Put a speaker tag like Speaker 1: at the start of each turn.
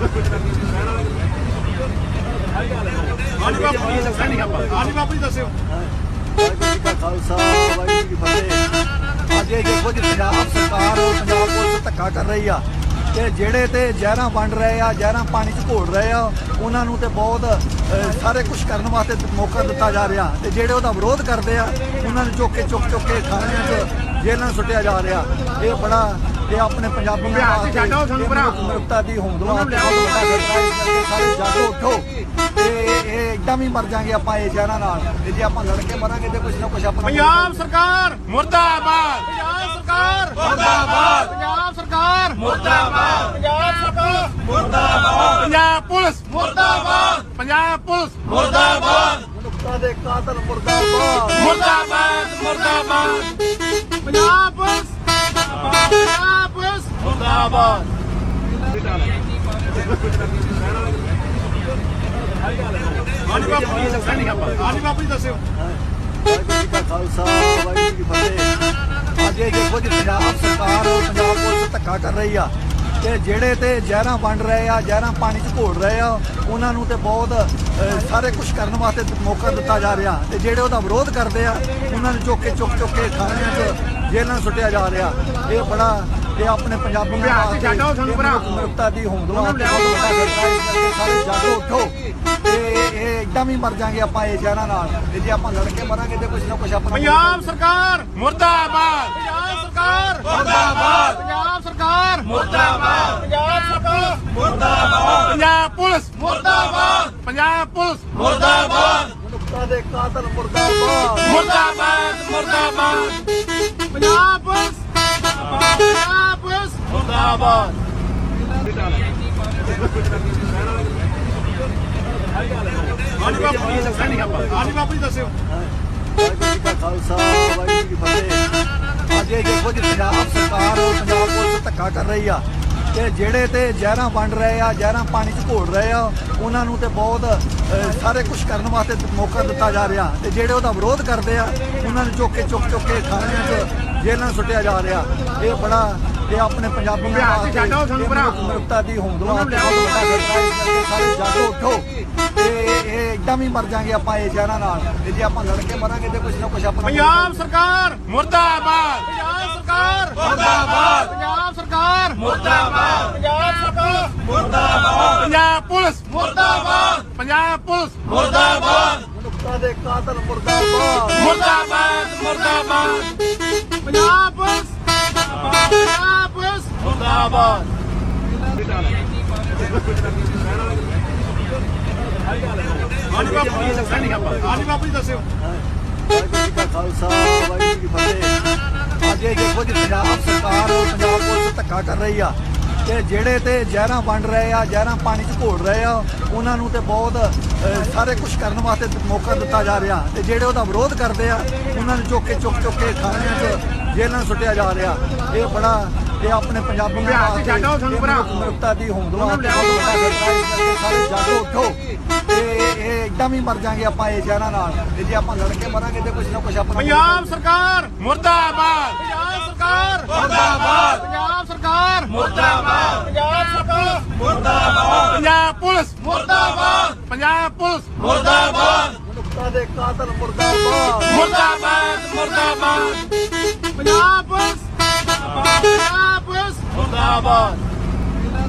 Speaker 1: ਹਾਂਜੀ ਬਾਪੂ ਜੀ ਦੱਸਣੀ ਆਪਾਂ ਹਾਂਜੀ ਬਾਪੂ ਜੀ ਦੱਸਿਓ
Speaker 2: ਵਾਹਿਗੁਰੂ ਜੀ ਕਾ ਖਾਲਸਾ ਵਾਹਿਗੁਰੂ ਜੀ ਕੀ ਫਤਿਹ। ਅੱਜ ਇਹ ਦੇਖੋ ਜੀ ਪੰਜਾਬ ਸਰਕਾਰ ਪੰਜਾਬ ਪੁਲਿਸ ਧੱਕਾ ਕਰ ਰਹੀ ਆ ਤੇ ਜਿਹੜੇ ਤੇ ਜ਼ਹਿਰਾਂ ਵੰਡ ਰਹੇ ਆ, ਜ਼ਹਿਰਾਂ ਪਾਣੀ 'ਚ ਘੋਲ ਰਹੇ ਆ, ਉਹਨਾਂ ਨੂੰ ਤੇ ਬਹੁਤ ਸਾਰੇ ਕੁਝ ਕਰਨ ਵਾਸਤੇ ਮੌਕਾ ਦਿੱਤਾ ਜਾ ਰਿਹਾ ਤੇ ਜਿਹੜੇ ਉਹਦਾ ਵਿਰੋਧ ਕਰਦੇ ਆ ਉਹਨਾਂ ਨੂੰ ਚੁੱਕ ਕੇ ਥਾਣਿਆਂ 'ਚ ਜੇਲ੍ਹਾਂ ਸੁੱਟਿਆ ਜਾ ਰਿਹਾ। ਇਹ ਬੜਾ ਇਹ ਆਪਣੇ ਪੰਜਾਬੀ ਮਨੁੱਖਤਾ ਦੀ ਹੋਂਦ ਵਾਸਤੇ ਬਹੁਤ ਵੱਡਾ ਖਤਰਾ ਹੈ। ਸਾਰੇ ਜਾਗੋ ਉੱਠੋ ਤੇ ਇਹ ਇੱਦਾਂ ਵੀ ਮਰ ਜਾਾਂਗੇ ਆਪਾਂ ਇਹ ਜ਼ਹਿਰਾਂ ਨਾਲ ਤੇ ਜੇ ਆਪਾਂ ਲੜ ਕੇ ਮਰਾਂਗੇ ਤੇ ਕੁਝ ਨਾ ਕੁਝ ਆਪਣਾ
Speaker 1: ਪੰਜਾਬ ਸਰਕਾਰ ਮੁਰਦਾਬਾਦ, ਪੰਜਾਬ ਸਰਕਾਰ ਮੁਰਦਾਬਾਦ, ਪੰਜਾਬ ਸਰਕਾਰ ਮੁਰਦਾਬਾਦ, ਪੰਜਾਬ ਸਰਕਾਰ ਮੁਰਦਾਬਾਦ, ਪੰਜਾਬ ਪੁਲਿਸ ਮੁਰਦਾਬਾਦ, ਪੰਜਾਬ ਪੁਲਿਸ ਮੁਰਦਾਬਾਦ,
Speaker 2: ਮਨੁੱਖਤਾ ਦੇ ਕਾਤਲ ਮੁਰਦਾਬਾਦ,
Speaker 1: ਮੁਰਦਾਬਾਦ, ਮੁਰਦਾਬਾਦ, ਪੰਜਾਬ ਪੁਲਿਸ ਪੰਜਾਬ ਪੁਲਿਸ ਮੁਰਦਾਬਾਦ। ਹਾਂਜੀ ਬਾਪੂ ਜੀ ਦੱਸਣੀ ਆਪਾਂ ਹਾਂਜੀ ਬਾਪੂ ਜੀ ਦੱਸਿਓ
Speaker 2: ਵਾਹਿਗੁਰੂ ਜੀ ਕਾ ਖਾਲਸਾ ਵਾਹਿਗੁਰੂ ਜੀ ਕੀ ਫਤਿਹ। ਅੱਜ ਇਹ ਦੇਖੋ ਜੀ ਪੰਜਾਬ ਸਰਕਾਰ ਪੰਜਾਬ ਪੁਲਿਸ ਧੱਕਾ ਕਰ ਰਹੀ ਆ ਤੇ ਜਿਹੜੇ ਤੇ ਜ਼ਹਿਰਾਂ ਵੰਡ ਰਹੇ ਆ, ਜ਼ਹਿਰਾਂ ਪਾਣੀ 'ਚ ਘੋਲ ਰਹੇ ਆ, ਉਹਨਾਂ ਨੂੰ ਤੇ ਬਹੁਤ ਸਾਰੇ ਕੁਝ ਕਰਨ ਵਾਸਤੇ ਮੌਕਾ ਦਿੱਤਾ ਜਾ ਰਿਹਾ ਤੇ ਜਿਹੜੇ ਉਹਦਾ ਵਿਰੋਧ ਕਰਦੇ ਆ ਉਹਨਾਂ ਨੂੰ ਚੁੱਕ ਕੇ ਥਾਣਿਆਂ 'ਚ ਜੇਲ੍ਹਾਂ ਸੁੱਟਿਆ ਜਾ ਰਿਹਾ। ਇਹ ਬੜਾ ਇਹ ਆਪਣੇ ਪੰਜਾਬੀ ਮਨੁੱਖਤਾ ਦੀ ਹੋਂਦ ਵਾਸਤੇ ਬਹੁਤ ਵੱਡਾ ਖਤਰਾ ਹੈ। ਸਾਰੇ ਜਾਗੋ ਉੱਠੋ ਤੇ ਇਹ ਇੱਦਾਂ ਵੀ ਮਰ ਜਾਾਂਗੇ ਆਪਾਂ ਇਹ ਜ਼ਹਿਰਾਂ ਨਾਲ ਤੇ ਜੇ ਆਪਾਂ ਲੜ ਕੇ ਮਰਾਂਗੇ ਤੇ ਕੁਝ ਨਾ ਕੁਝ ਆਪਣਾ
Speaker 1: ਪੰਜਾਬ ਸਰਕਾਰ ਮੁਰਦਾਬਾਦ, ਪੰਜਾਬ ਸਰਕਾਰ ਮੁਰਦਾਬਾਦ, ਪੰਜਾਬ ਸਰਕਾਰ ਮੁਰਦਾਬਾਦ, ਪੰਜਾਬ ਸਰਕਾਰ ਮੁਰਦਾਬਾਦ, ਪੰਜਾਬ ਪੁਲਿਸ ਮੁਰਦਾਬਾਦ, ਪੰਜਾਬ ਪੁਲਿਸ ਮੁਰਦਾਬਾਦ,
Speaker 2: ਮਨੁੱਖਤਾ ਦੇ ਕਾਤਲ ਮੁਰਦਾਬਾਦ,
Speaker 1: ਮੁਰਦਾਬਾਦ, ਮੁਰਦਾਬਾਦ, ਪੰਜਾਬ ਪੁਲਿਸ ਪੰਜਾਬ ਪੁਲਿਸ ਮੁਰਦਾਬਾਦ। ਹਾਂਜੀ ਬਾਪੂ ਜੀ ਦੱਸਣੀ ਆਪਾਂ ਹਾਂਜੀ ਬਾਪੂ ਜੀ ਦੱਸਿਓ
Speaker 2: ਵਾਹਿਗੁਰੂ ਜੀ ਕਾ ਖਾਲਸਾ ਵਾਹਿਗੁਰੂ ਜੀ ਕੀ ਫਤਿਹ। ਅੱਜ ਇਹ ਦੇਖੋ ਜੀ ਪੰਜਾਬ ਸਰਕਾਰ ਪੰਜਾਬ ਪੁਲਿਸ ਧੱਕਾ ਕਰ ਰਹੀ ਆ ਤੇ ਜਿਹੜੇ ਤੇ ਜ਼ਹਿਰਾਂ ਵੰਡ ਰਹੇ ਆ, ਜ਼ਹਿਰਾਂ ਪਾਣੀ 'ਚ ਘੋਲ ਰਹੇ ਆ, ਉਹਨਾਂ ਨੂੰ ਤੇ ਬਹੁਤ ਸਾਰੇ ਕੁਝ ਕਰਨ ਵਾਸਤੇ ਮੌਕਾ ਦਿੱਤਾ ਜਾ ਰਿਹਾ ਤੇ ਜਿਹੜੇ ਉਹਦਾ ਵਿਰੋਧ ਕਰਦੇ ਆ ਉਹਨਾਂ ਨੂੰ ਚੁੱਕ ਕੇ ਥਾਣਿਆਂ 'ਚ ਜੇਲ੍ਹਾਂ ਸੁੱਟਿਆ ਜਾ ਰਿਹਾ। ਇਹ ਬੜਾ ਇਹ ਆਪਣੇ ਪੰਜਾਬੀ ਮਨੁੱਖਤਾ ਦੀ ਹੋਂਦ ਵਾਸਤੇ ਬਹੁਤ ਵੱਡਾ ਖਤਰਾ ਹੈ। ਸਾਰੇ ਜਾਗੋ ਉੱਠੋ ਤੇ ਇਹ ਇੱਦਾਂ ਵੀ ਮਰ ਜਾਾਂਗੇ ਆਪਾਂ ਇਹ ਜ਼ਹਿਰਾਂ ਨਾਲ ਤੇ ਜੇ ਆਪਾਂ ਲੜ ਕੇ ਮਰਾਂਗੇ ਤੇ ਕੁਝ ਨਾ ਕੁਝ ਆਪਣਾ
Speaker 1: ਪੰਜਾਬ ਸਰਕਾਰ ਮੁਰਦਾਬਾਦ, ਪੰਜਾਬ ਸਰਕਾਰ ਮੁਰਦਾਬਾਦ, ਪੰਜਾਬ ਸਰਕਾਰ ਮੁਰਦਾਬਾਦ, ਪੰਜਾਬ ਸਰਕਾਰ ਮੁਰਦਾਬਾਦ, ਪੰਜਾਬ ਪੁਲਿਸ ਮੁਰਦਾਬਾਦ, ਪੰਜਾਬ ਪੁਲਿਸ ਮੁਰਦਾਬਾਦ,
Speaker 2: ਮਨੁੱਖਤਾ ਦੇ ਕਾਤਲ ਮੁਰਦਾਬਾਦ,
Speaker 1: ਮੁਰਦਾਬਾਦ, ਮੁਰਦਾਬਾਦ, ਪੰਜਾਬ ਪੁਲਿਸ ਪੰਜਾਬ ਪੁਲਿਸ ਮੁਰਦਾਬਾਦ। ਹਾਂਜੀ ਬਾਪੂ ਜੀ ਦੱਸਣੀ ਆਪਾਂ ਹਾਂਜੀ ਬਾਪੂ ਜੀ ਦੱਸਿਓ
Speaker 2: ਵਾਹਿਗੁਰੂ ਜੀ ਕਾ ਖਾਲਸਾ ਵਾਹਿਗੁਰੂ ਜੀ ਕੀ ਫਤਿਹ। ਅੱਜ ਇਹ ਦੇਖੋ ਜੀ ਪੰਜਾਬ ਸਰਕਾਰ ਪੰਜਾਬ ਪੁਲਿਸ ਧੱਕਾ ਕਰ ਰਹੀ ਆ ਤੇ ਜਿਹੜੇ ਤੇ ਜ਼ਹਿਰਾਂ ਵੰਡ ਰਹੇ ਆ, ਜ਼ਹਿਰਾਂ ਪਾਣੀ 'ਚ ਘੋਲ ਰਹੇ ਆ, ਉਹਨਾਂ ਨੂੰ ਤੇ ਬਹੁਤ ਸਾਰੇ ਕੁਝ ਕਰਨ ਵਾਸਤੇ ਮੌਕਾ ਦਿੱਤਾ ਜਾ ਰਿਹਾ ਤੇ ਜਿਹੜੇ ਉਹਦਾ ਵਿਰੋਧ ਕਰਦੇ ਆ ਉਹਨਾਂ ਨੂੰ ਚੁੱਕ ਕੇ ਥਾਣਿਆਂ 'ਚ ਜੇਲ੍ਹਾਂ ਸੁੱਟਿਆ ਜਾ ਰਿਹਾ। ਇਹ ਬੜਾ ਇਹ ਆਪਣੇ ਪੰਜਾਬੀ ਮਨੁੱਖਤਾ ਦੀ ਹੋਂਦ ਵਾਸਤੇ ਬਹੁਤ ਵੱਡਾ ਖਤਰਾ ਹੈ। ਸਾਰੇ ਜਾਗੋ ਉੱਠੋ ਤੇ ਇਹ ਇੱਦਾਂ ਵੀ ਮਰ ਜਾਾਂਗੇ ਆਪਾਂ ਇਹ ਜ਼ਹਿਰਾਂ ਨਾਲ ਤੇ ਜੇ ਆਪਾਂ ਲੜ ਕੇ ਮਰਾਂਗੇ ਤੇ ਕੁਝ ਨਾ ਕੁਝ ਆਪਣਾ
Speaker 1: ਪੰਜਾਬ ਸਰਕਾਰ ਮੁਰਦਾਬਾਦ, ਪੰਜਾਬ ਸਰਕਾਰ ਮੁਰਦਾਬਾਦ, ਪੰਜਾਬ ਸਰਕਾਰ ਮੁਰਦਾਬਾਦ, ਪੰਜਾਬ ਸਰਕਾਰ ਮੁਰਦਾਬਾਦ, ਪੰਜਾਬ ਪੁਲਿਸ ਮੁਰਦਾਬਾਦ, ਪੰਜਾਬ ਪੁਲਿਸ ਮੁਰਦਾਬਾਦ,
Speaker 2: ਮਨੁੱਖਤਾ ਦੇ ਕਾਤਲ ਮੁਰਦਾਬਾਦ,
Speaker 1: ਮੁਰਦਾਬਾਦ, ਮੁਰਦਾਬਾਦ, ਪੰਜਾਬ ਪੁਲਿਸ ਪੰਜਾਬ ਪੁਲਿਸ ਮੁਰਦਾਬਾਦ।